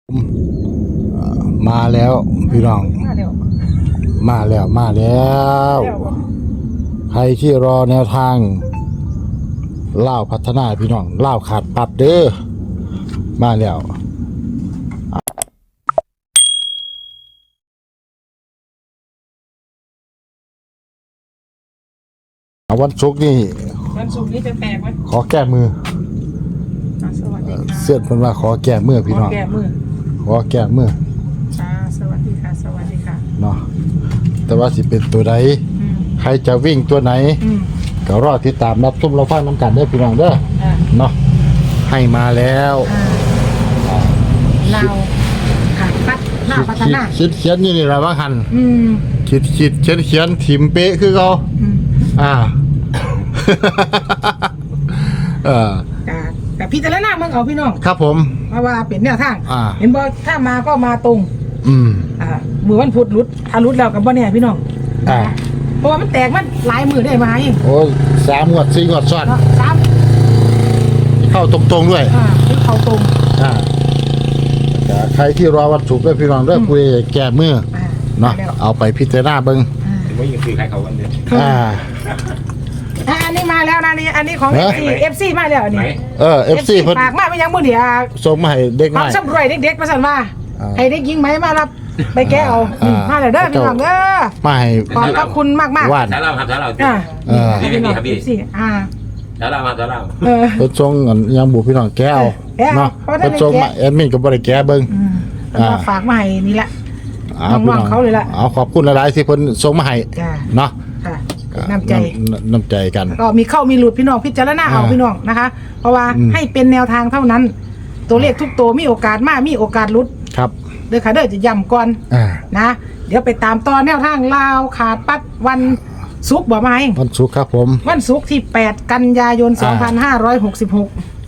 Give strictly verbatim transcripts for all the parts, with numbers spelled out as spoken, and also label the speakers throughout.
Speaker 1: มาแล้วพี่น้องมาแล้วมาแล้วมาแล้วใครที่รอแนวทางเล่าพัฒนาพี่น้องเล่าขาดปัดเด้อมาแล้ววันศุกร์นี่
Speaker 2: วันศุกร์นี้จะแตกไหม
Speaker 1: ขอแก้มือ
Speaker 2: สวัสดีค่ะ
Speaker 1: เสื้อเพิ่นว่าขอแก้มือพี่น้อง
Speaker 2: ขอแก้มือ
Speaker 1: ขอแก้มือ
Speaker 2: ค่ะสวัสดีค่ะสวัสดีค่ะ
Speaker 1: เนาะแต่ว่าสิเป็นตัวใดใครจะวิ่งตัวไหนก็รอติดตามรับชมเราฟังน้ำกันเด้อพี่น้องเด้อเนาะให้มาแล้ว
Speaker 2: เราขาดปัดหน้าพัฒนา
Speaker 1: คิดเขียนนี่นี่ละว่าหันคิดคิดเขียนเขียนถิ่มเป๊ะคือเขาอ่าเออ
Speaker 2: แต่พี่แต่ละหน้ามึงเอาพี่น้อง
Speaker 1: ครับผม
Speaker 2: เพราะว่าเป็นแนวทาง
Speaker 1: เ
Speaker 2: ห็นบ่ถ้ามาก็มาตรง
Speaker 1: อืม
Speaker 2: อ่ามือวันพุธรุดถ้ารุดแล้วกับบ่เนี่ยพี่น้อง
Speaker 1: อ่า
Speaker 2: เพราะว่ามันแตกมันหลายมือได้มาเอง
Speaker 1: โอ้สามงวดสี่งวดซ้อน
Speaker 2: สาม
Speaker 1: เข้าตรงๆด้วย
Speaker 2: อ่าเข้าตรง
Speaker 1: อ่าใครที่รอวันศุกร์ด้วยพี่น้องเด้อคุยแก้มือเนาะเอาไปพิจารณาเบิ่ง
Speaker 3: ว่ายังคือใครเขาวันเดียว
Speaker 1: อ่า
Speaker 2: อันนี้มาแล้วนะนี่อันนี้ของ เอฟ ซี เอฟ ซี มาแล้วนี่
Speaker 1: เออ เอฟ ซี
Speaker 2: ฝากมาไม่ยังมื้อเดียว
Speaker 1: ส่งมาให้เด็ก
Speaker 2: น้อยความสำรวยเด็กๆมาสั่นว่าให้เด็กหญิงไหมมารับไปแก้เอามาแล้วเด้อพี่น้องเด้อ
Speaker 1: มาให้
Speaker 2: ขอบพระคุณมากๆ
Speaker 3: สาเราครับสาเรา
Speaker 2: เออพี่น้อง เอฟ ซี อ่า
Speaker 3: สาเรามาสาเรา
Speaker 1: เออเพิ่นส่งยังบุพี่น้องแก้เอาเนาะเพิ่นส่งมาแอดมินก็บ่ได้แก้เบิ่ง
Speaker 2: อ่าฝากมาให้นี่แหละน้องๆเขาเลยล่ะ
Speaker 1: เอาขอบคุณหลายๆที่เพิ่นส่งมาให้เนาะ
Speaker 2: น้ำใจ
Speaker 1: น้ำใจกัน
Speaker 2: ก็มีเข้ามีหลุดพี่น้องพิจารณาเอาพี่น้องนะคะเพราะว่าให้เป็นแนวทางเท่านั้นตัวเลขทุกตัวมีโอกาสมากมีโอกาสหลุด
Speaker 1: ครับ
Speaker 2: เด้อค่ะเด้อจะย้ำก่อนนะเดี๋ยวไปตามตอนแนวทางลาวขาดปัดวันศุกร์บ่ไหม
Speaker 1: วันศุกร์ครับผม
Speaker 2: วันศุกร์ที่แปดกันยายนสองพันห้าร้อยหกสิบหก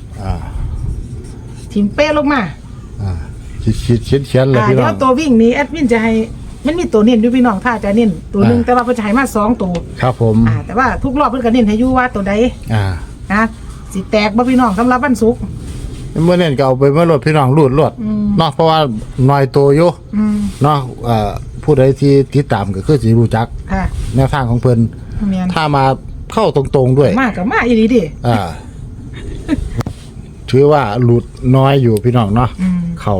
Speaker 2: ทีมเป้ลงมา
Speaker 1: คิดคิดเขียนเขียนเลยพี่น้อง
Speaker 2: เดี๋ยวตัววิ่งนี้แอดมินจะให้มันมีตัวเน้นด้วยพี่น้องถ้าจะเน้นตัวหนึ่งแต่ว่าเพิ่นจะให้มาสองตัว
Speaker 1: ครับผม
Speaker 2: อ่าแต่ว่าทุกรอบเพิ่นก็เน้นให้อยู่ว่าตัวใด
Speaker 1: อ่า
Speaker 2: นะสิแตกบ่พี่น้องสำหรับวันศุกร์
Speaker 1: เมื่อเน้นก็เอาไปเมื่อรถพี่น้องรูดรถเนาะเพราะว่าน้อยตัวอยู่เนาะเอ่อผู้ใดที่ติดตามก็คือสิรู้จักแนวทางของเพิ่นถ้ามาเข้าตรงๆด้วย
Speaker 2: มากกับมากอีหลีดิ
Speaker 1: อ่าถือว่าหลุดน้อยอยู่พี่น้องเนาะเขา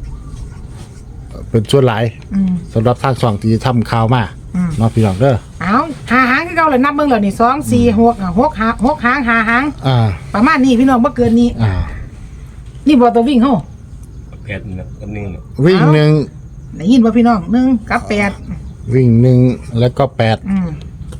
Speaker 1: เป็นส่วนหลายสำหรับทางสองที่ทำข่าวมาเนาะพี่น้องเด้อ
Speaker 2: เอาหาหางคือเก่าเลยนับเบิ่งแล้วนี่สองสี่หกหกหางหกหางหาหาง
Speaker 1: อ่า
Speaker 2: ประมาณนี้พี่น้องบ่เกินนี้
Speaker 1: อ่า
Speaker 2: นี่บ่ตัววิ่งเฮา
Speaker 3: แปดกับหนึ่ง
Speaker 1: วิ่งหนึ่ง
Speaker 2: ได้ยินบ่พี่น้องหนึ่งกับแปด
Speaker 1: วิ่งหนึ่งแล้วก็แปด
Speaker 2: อืม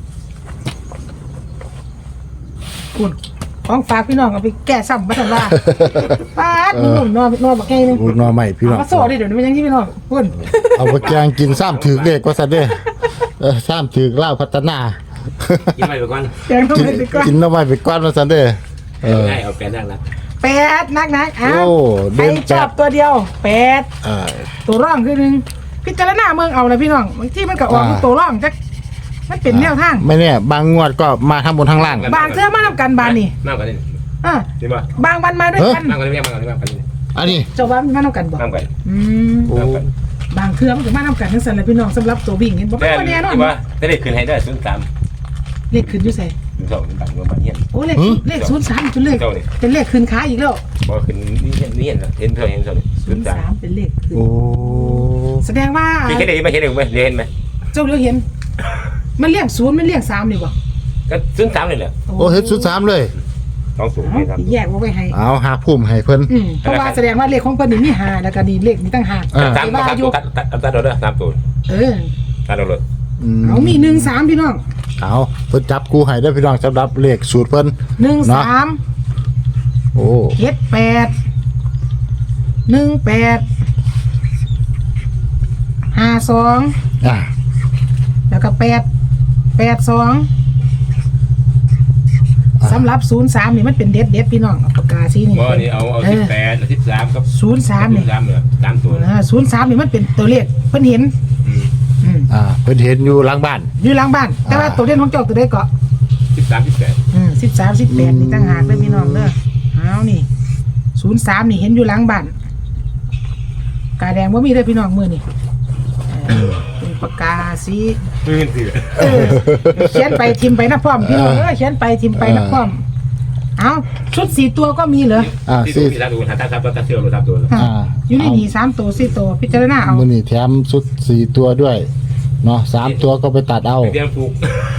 Speaker 2: คุณของฝากพี่น้องเอาไปแก้ซ้ำมาทันว่าป้าดนุ่มๆนอนนอนบักแก่นึง
Speaker 1: นอนใหม่พี่น้อง
Speaker 2: มาโซ่ดิเดี๋ยวนี้มันยังที่พี่น้องพุ่น
Speaker 1: เอาไปแกงกินซ้ำถือเด็กก็ซะเด้อซ้ำถือเล่าพัฒนา
Speaker 3: กินไปก่อน
Speaker 2: แกงต้องไปก่อน
Speaker 1: กินน้ำใหม่ไปก่อนมาซะเด้อ
Speaker 3: เออได้เอาแปดนักนะ
Speaker 2: แปดนักนักอ้าวใครชอบตัวเดียวแปดตัวร่องคือหนึ่งพิจารณาเมืองเอาเลยพี่น้องบางที่มันก็ออกตัวร่องจักมันเป็นแนวทาง
Speaker 1: ไม่เนี่ยบางงวดก็มาทั้งบนทั้งล่าง
Speaker 2: บางเทื่อมาทำกันบานนี่
Speaker 3: มากกว่านี้
Speaker 2: อ่าบางวันมาด้วยกัน
Speaker 3: มากกว่านี้มากกว่านี้มากกว่านี้
Speaker 1: อันนี้
Speaker 2: เจ้าบ้านมาทำกันบ่
Speaker 3: มากกว่า
Speaker 2: อืมบางเทื่อมันก็มาทำกันทั้งสันเลยพี่น้องสำหรับตัววิ่งเห็นบ่ไม่แน่นอน
Speaker 3: ว่าได้เลขขึ้นให้ได้ศูนย์สาม
Speaker 2: เลขขึ้นอยู่ใส่
Speaker 3: ศูนย์สองเป็นต่างเมืองบางเฮียน
Speaker 2: โอ้เลขเลขศูนย์สามเป็นเลขเป็นเลขขึ้นค้าอีกแล้ว
Speaker 3: บ่ขึ้นนี่เห็นนี่เห็นเห็นเท่าเห็นเท่า
Speaker 2: ศูนย์สามเป็นเลขขึ้น
Speaker 1: โอ้
Speaker 2: แสดงว่า
Speaker 3: เห็นได้ไหมเห็นได้ไหมเห็นไหม
Speaker 2: เจ้าเลี้ยวเห็นมันเรียกศูนย์มันเรียกสามนี่บ่
Speaker 3: ก็ศูนย์สามเลยแหละ
Speaker 1: โอ้เห็นศูนย์สามเลย
Speaker 3: ต้องสูงเลยครับ
Speaker 2: แยกไว้ให้
Speaker 1: เอาหาพุ่มให้เพิ่น
Speaker 2: เพราะว่าแสดงว่าเลขของเพิ่นนี่มีห้าแล้วก็นี่เลขนี่ตั้งห้า
Speaker 3: สามตัดตัดตัดตัดเลยสามตัว
Speaker 2: เออ
Speaker 3: ตัดเลย
Speaker 2: เอามีหนึ่งสามพี่น้อง
Speaker 1: เอาเพิ่นจับกูให้ได้พี่น้องสำหรับเลขสูตรเพิ่น
Speaker 2: หนึ่งสาม
Speaker 1: โอ้
Speaker 2: เจ็ดแปดหนึ่งแปดห้าสอง
Speaker 1: อ่า
Speaker 2: แล้วก็แปดแปดสองสำหรับศูนย์สามนี่มันเป็นเด็ดเด็ดพี่น้องปากกาสีนี่
Speaker 3: บ่นี่เอาเอาสิบแปดสิบสามกับ
Speaker 2: ศูนย์สามนี่
Speaker 3: สามเนี่ยสามตัว
Speaker 2: ศูนย์สามนี่มันเป็นตัวเลขเพิ่นเห็น
Speaker 1: อ่าเพิ่นเห็นอยู่หลังบ้าน
Speaker 2: อยู่หลังบ้านแต่ว่าตัวเด่นของเจ้าตัวใดก็
Speaker 3: สิบสามสิบแปด
Speaker 2: อืมสิบสามสิบแปดนี่ต่างหากเลยพี่น้องเด้อเอานี่ศูนย์สามนี่เห็นอยู่หลังบ้านกาแดงว่ามีเลยพี่น้องมือนี่เออเป็นปากกาสี
Speaker 3: ไม่เงินถือ
Speaker 2: เออเขียนไปทิมไปนะพร้อมพี่น้องเออเขียนไปทิมไปนะพร้อมเอาชุดสี่ตัวก็มีเหรอ
Speaker 1: อ่า
Speaker 3: ที่
Speaker 1: สิ
Speaker 3: ดูที่ร้านดูหาตาครับตาเที่ยวรถทับตัว
Speaker 2: อ่ะอยู่ในนี่สามตัวสี่ตัวพิจารณาเอา
Speaker 1: มื้อนี้แถมชุดสี่ตัวด้วยเนาะสามตัวก็ไปตัดเอา
Speaker 3: เตรียมฟูก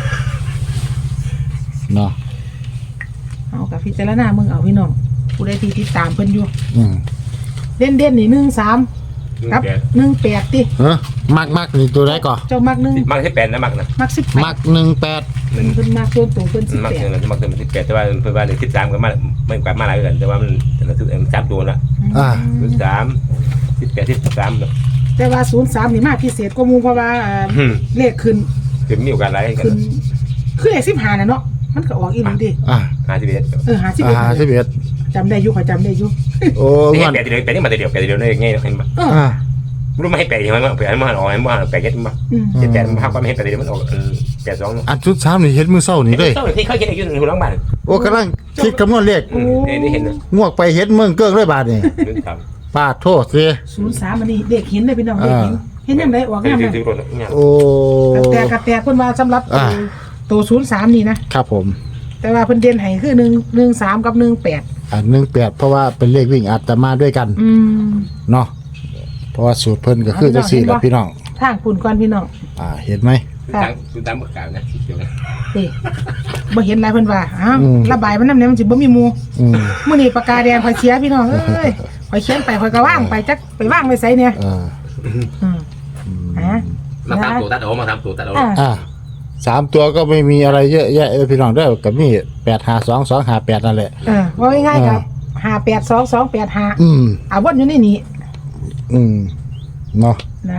Speaker 1: เนาะ
Speaker 2: เอากับพิจารณามึงเอาพี่น้องผู้ใดที่ติดตามเพิ่นอยู่
Speaker 1: อืม
Speaker 2: เด่นเด่นๆนี่หนึ่งสามครับหนึ่งแปดติ
Speaker 1: เฮ้มักมักนี่ตัวใดก่อน
Speaker 2: เจ้ามักหนึ่ง
Speaker 3: มักที่แปดนะมักนะ
Speaker 2: มักสิบแป
Speaker 1: มั
Speaker 2: ด
Speaker 1: กหนึ่งแปด
Speaker 3: หนึ่ง
Speaker 2: เพิ่นมักส่วนตัวเพิ่นสิบ
Speaker 3: มัก
Speaker 2: แปด
Speaker 3: เงินมักเงินที่แปดแต่ว่าเพื่อนบ้านที่สามก็มาไม่กว่ามาหลายเดือนแต่ว่ามันแต่ละทุกเอ็มสามตัวละ
Speaker 1: อ่า
Speaker 3: ที่สามที่แปดที่สาม
Speaker 2: แต่ว่าศูนย์สามนี่มาพิเศษกว่าหมู่เพราะว่าเอ่อเลขขึ้น
Speaker 3: คือมีโอกาสหลายกัน
Speaker 2: ขึ้นคือเลขสิบห้าน่ะเนาะมันก็ออกอีหลีดิ
Speaker 1: อ่า
Speaker 3: หาที่เบ็ด
Speaker 2: เออหาสิบ
Speaker 1: อ่าสิบเอ็ด
Speaker 2: จำได้อยู่ขอยจำได้อยู่
Speaker 1: โอ้
Speaker 3: นี่
Speaker 1: งอน
Speaker 3: แปดเดียวแปดนี่มาเดียวแปดเดียวนี่ง่ายเห็นปะ
Speaker 2: เออ
Speaker 1: อ่า
Speaker 3: รู้ไม่ให้แปดยังไงมั้งแปดมันออกให้มันแปดเย็ดมั้ง
Speaker 2: อืม
Speaker 3: เจ็ดแปดมันภาพก็ไม่ให้แปดเดียวมันออกแปดสอง
Speaker 1: อันชุดสามนี่เฮ็ดมือเศร้านี่เลย
Speaker 3: เจ้าที่เขาเขียนอยู่ในหัวหลังบ้าน
Speaker 1: โอ้กำลังคิดคำนวณเลข
Speaker 3: นี่นี่เห็นนะ
Speaker 1: งวกไปเฮ็ดเมืองเกิ้งเลยบาดนี่
Speaker 3: เรื่องท
Speaker 1: ปาดโทษสิ
Speaker 2: ศูนย์สามอันนี้เด็กเห็นเลยพี่น้องเด็กเห็นเห็นยังไงออก
Speaker 3: ำที่
Speaker 2: งาม
Speaker 3: ที่
Speaker 2: นะ
Speaker 3: ที่รถเนี่ย
Speaker 1: โอ้
Speaker 2: แต่กระแตเพิ่นว่าสำหรับตัว
Speaker 1: อ่า
Speaker 2: ตัวศูนย์สามนี่นะครับ
Speaker 1: ผม
Speaker 2: แต่ว่าเพิ่นเด่นให้คือหนึ่งหนึ่งสามกับหนึ่งแปด
Speaker 1: อ่าหนึ่งแปดเพราะว่าเป็นเลขวิ่งอาตมาด้วยกัน
Speaker 2: อืม
Speaker 1: เนาะเพราะว่าสูตรเพิ่นก็คือจังซี่แหละพี่น้อง
Speaker 2: ทางปุ่นก่อนพี่น้อง
Speaker 1: อ่าเห็นไหม
Speaker 3: คือตามคือตามประกาศนะเกี่ยวนะ
Speaker 2: นี่บ่เห็นอะไรเพิ่นว่าอ้าว
Speaker 1: อืม
Speaker 2: ระบายมันนำเนี่ยมันสิบ่มีหมู่
Speaker 1: อืม
Speaker 2: มื้อนี้ปากกาแดงข่อยเสียพี่น้องเอ้ยข่อยเขียนไปข่อยก็ว่างไปจักไปว่างไว้ไสเนี่ย
Speaker 1: อ่า
Speaker 2: อืมอ่ะ
Speaker 3: มาทำตัวตัดออกมาทำตัวตัดออก
Speaker 2: อ่า
Speaker 1: อ่าสามตัวก็ไม่มีอะไรเยอะแยะเออพี่น้องเด้อก็มีแปดห้าสองสองห้าแปดนั่นแหละ
Speaker 2: เออว่าง่ายๆครับห้าแปดสองสองแปดห้า
Speaker 1: อืม
Speaker 2: อ่ะวนอยู่ในนี้
Speaker 1: อืมเนาะ
Speaker 2: นะ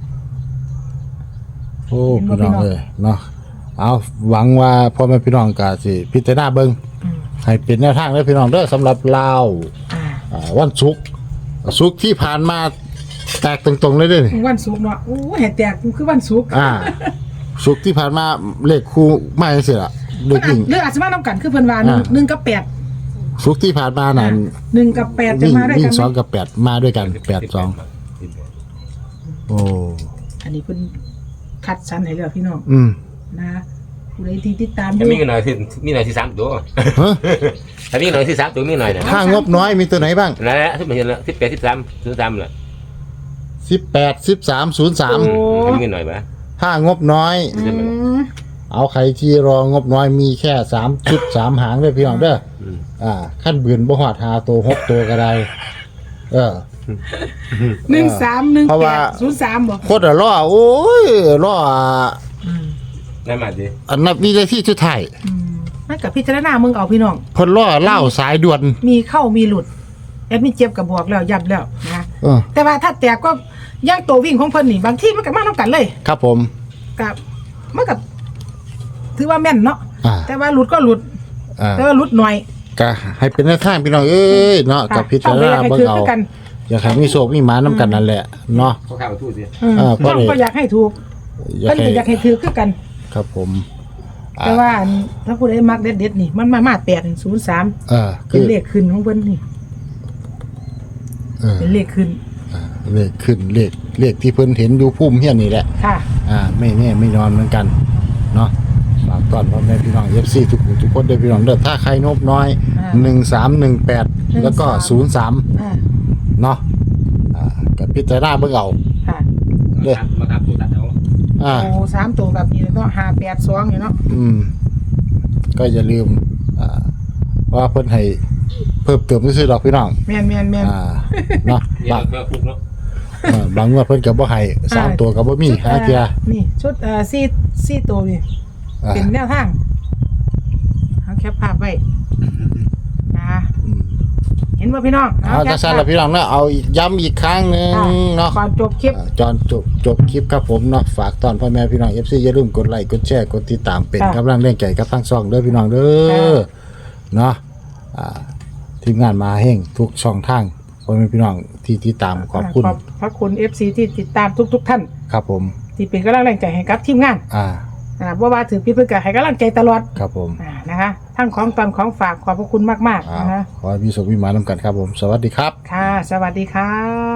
Speaker 1: โอ้
Speaker 2: เห็นบ่
Speaker 1: พี่น้อง
Speaker 2: พี่น้อง
Speaker 1: เอ้ยเนาะเอาหวังว่าพ่อแม่พี่น้องก็สิพิจารณาเบิ่ง
Speaker 2: อืม
Speaker 1: ให้เป็นแนวทางเด้อพี่น้องเด้อสำหรับลาว
Speaker 2: อ่า
Speaker 1: อ่าวันศุกร์ศุกร์ที่ผ่านมาแตกตรงๆเลยเด้อนี่
Speaker 2: วันศุกร์เนาะโอ้ยให้แตกคือวันศุกร์
Speaker 1: อ่าศุกร์ที่ผ่านมาเลขคู่มาจังซี่ล่ะเล
Speaker 2: มัน
Speaker 1: ข
Speaker 2: อาจ
Speaker 1: วิ่ง
Speaker 2: เรื่องอาจจะมานํกันคือเพิ่นว่าหนึ่ง
Speaker 1: อ่า
Speaker 2: หนึ่งกับแปด
Speaker 1: ศุกร์ที่ผ่านมานั่น
Speaker 2: หนึ่งกับแปดจะ
Speaker 1: วิ่ง
Speaker 2: มาด้วย
Speaker 1: วิ่
Speaker 2: กั
Speaker 1: ง
Speaker 2: น
Speaker 1: สอง
Speaker 2: ไหม
Speaker 1: กับแปดมาด้วยกันแปดสองโอ้
Speaker 2: อันนี้เพิ่นคัดสรรให้แล้วพี่น้อง
Speaker 1: อืม
Speaker 2: นะผู้ใดที่ติดตามอ
Speaker 3: จะ
Speaker 2: ยู่
Speaker 3: มีหน่อยที่มีหน่อยที่สามตัว
Speaker 1: ฮะ
Speaker 3: ถ้ามีหน่อยที่สามตัวมีหน่อยนะ
Speaker 1: ถ้างบน้อยมีตัวไหนบ้าง
Speaker 3: นั่นแหละที่มันเห็นแล้วที่แปดที่สามที่สามแหละ
Speaker 1: สิบแปด สิบสาม ศูนย์สาม
Speaker 2: โอ้
Speaker 3: มีหน่อยไหม
Speaker 1: ถ้างบน้อย
Speaker 2: อืม
Speaker 1: เอาใครที่รองบน้อยมีแค่สามชุดสามหางเลยพี่น้องเด้ออ่าขั้นบืนบ่หอดหาตัวหกตัวก็ได้เออ
Speaker 2: หนึ่งสามหนึ่ง
Speaker 1: เพราะ
Speaker 2: แป
Speaker 1: ว่า
Speaker 2: ดศูนย์สามบอก
Speaker 1: โคตรล่อโอ้ยล่อ
Speaker 3: นั่นมาดิ
Speaker 1: อันนับวินาทีสุดท้าย
Speaker 2: นั่นกับพิจารณามึงเอาพี่น้อง
Speaker 1: เพิ่นล่อเล่าสายด่วน
Speaker 2: มีเข้ามีหลุดแอดมินเจ็บกับบวกแล้วยับแล้วนะ
Speaker 1: เออ
Speaker 2: แต่ว่าถ้าแตกก็ย่างตัววิ่งของเพิ่นนี่บางที่มันก็มาน้ำกันเลย
Speaker 1: ครับผม
Speaker 2: กับมันกับถือว่าแม่นเนาะ
Speaker 1: อ่า
Speaker 2: แต่ว่าหลุดก็หลุด
Speaker 1: อ่า
Speaker 2: แต่ว่าหลุดหน่อย
Speaker 1: ก็ให้เป็นแนวทางพี่น้องเอ้ยเนาะกับพิจารณา
Speaker 2: ต้อง
Speaker 1: เบิ่ง
Speaker 2: ไปอยากให้ถือ
Speaker 1: เอา
Speaker 2: คือกัน
Speaker 1: อยากให้มีโชคมีหมานํกันนั่นแหละเนาะ
Speaker 3: เขาข้าวทู่สิ
Speaker 2: อืม
Speaker 1: อ่าเพราะ
Speaker 2: น้อง
Speaker 1: เลย
Speaker 2: ก็อยากให้ถูก
Speaker 1: อยา
Speaker 2: เพิ่
Speaker 1: ก
Speaker 2: น
Speaker 1: ให้
Speaker 2: ก็อยากให้ถือคือกัน
Speaker 1: ครับผม
Speaker 2: แต่ว่าอันถ้าผู้ใดมักเด็ดๆนี่มันมามาแปดศูนย์สาม
Speaker 1: เออคื
Speaker 2: เป็น
Speaker 1: อ
Speaker 2: เลขขึ้นของเพิ่นนี่
Speaker 1: เออ
Speaker 2: เป็นเลขขึ้น
Speaker 1: เลขขึ้นเลขเลขที่เพิ่นเห็นอยู่พุ่มเฮียนนี่แหละ
Speaker 2: ค่ะ
Speaker 1: อ่าไม่แน่ไม่นอนเหมือนกันเนาะฝากต้อนพ่อแม่พี่น้อง เอฟ ซี ทุกผู้ทุกคนด้วยพี่น้องเด้อถ้าใครงบน้อย
Speaker 2: อ่า
Speaker 1: หนึ่งสามหนึ่งแปดแล้วก็ศูนย์สาม
Speaker 2: อ่า
Speaker 1: เนาะอ่ากับพิจารณาเบิ่งเอา
Speaker 2: ค่ะ
Speaker 3: มาทำตัวตัดเอา
Speaker 1: อ่า
Speaker 2: โอ้สามตัวแบบนี้เนาะห้าแปดสองอยู่เนาะ
Speaker 1: อืมก็อย่าลืมอ่าเพราะว่าเพิ่นให้เพิ่มเติมซื่อๆดอกพี่น้อง
Speaker 2: แม่นแม่นแม่น
Speaker 1: อ่าเนาะ
Speaker 3: เนี่ย
Speaker 1: บาง
Speaker 3: เพื่อฟุกเนาะ
Speaker 1: เออบางงวดเพิ่นก็บ่ให้สามตัวก็บ่มีหาเทีย
Speaker 2: นี่ชุดเอ่อซี่ซี่ตัวนี่
Speaker 1: อ่า
Speaker 2: เป็นแนวทางเอาแคปภาพไว้นะ
Speaker 1: อืม
Speaker 2: เห็นว่าพี่น้อง
Speaker 1: เอาจังซั่นล่ะพี่น้องเนาะเอาอีกย้ำอีกครั้งหนึงเนาะ
Speaker 2: ก่อนจบคลิป
Speaker 1: อ่าจอนจบจบคลิปครับผมเนาะฝากตอนพ่อแม่พี่น้อง เอฟ ซี อย่าลืมกดไลค์กดแชร์กดติดตามเป็น
Speaker 2: ค่ะ
Speaker 1: กำลังแรงใจกับทั้งช่องเด้อพี่น้องเด้
Speaker 2: ค่
Speaker 1: อะ เนาะอ่าทีมงานมาแห่งทุกช่องทางพ่อแม่พี่น้องที่ติดตามขอบคุณ
Speaker 2: ขอบพระคุณ เอฟ ซี ที่ติดตามทุกๆท่าน
Speaker 1: ครับผม
Speaker 2: ที่เป็นกำลังแรงใจให้กับทีมงาน
Speaker 1: อ่า
Speaker 2: อ่าบ่ว่าถือพี่เพื่อให้กำลังใจตลอด
Speaker 1: ครับผม
Speaker 2: อ่านะคะทั้งของตอนของฝากขอบพระคุณมากๆ
Speaker 1: อ่า
Speaker 2: นะคะ
Speaker 1: ขอให้มีสุขมีหมานำกันครับผม สวัสดีครับ
Speaker 2: ค่ะ สวัสดีค่ะ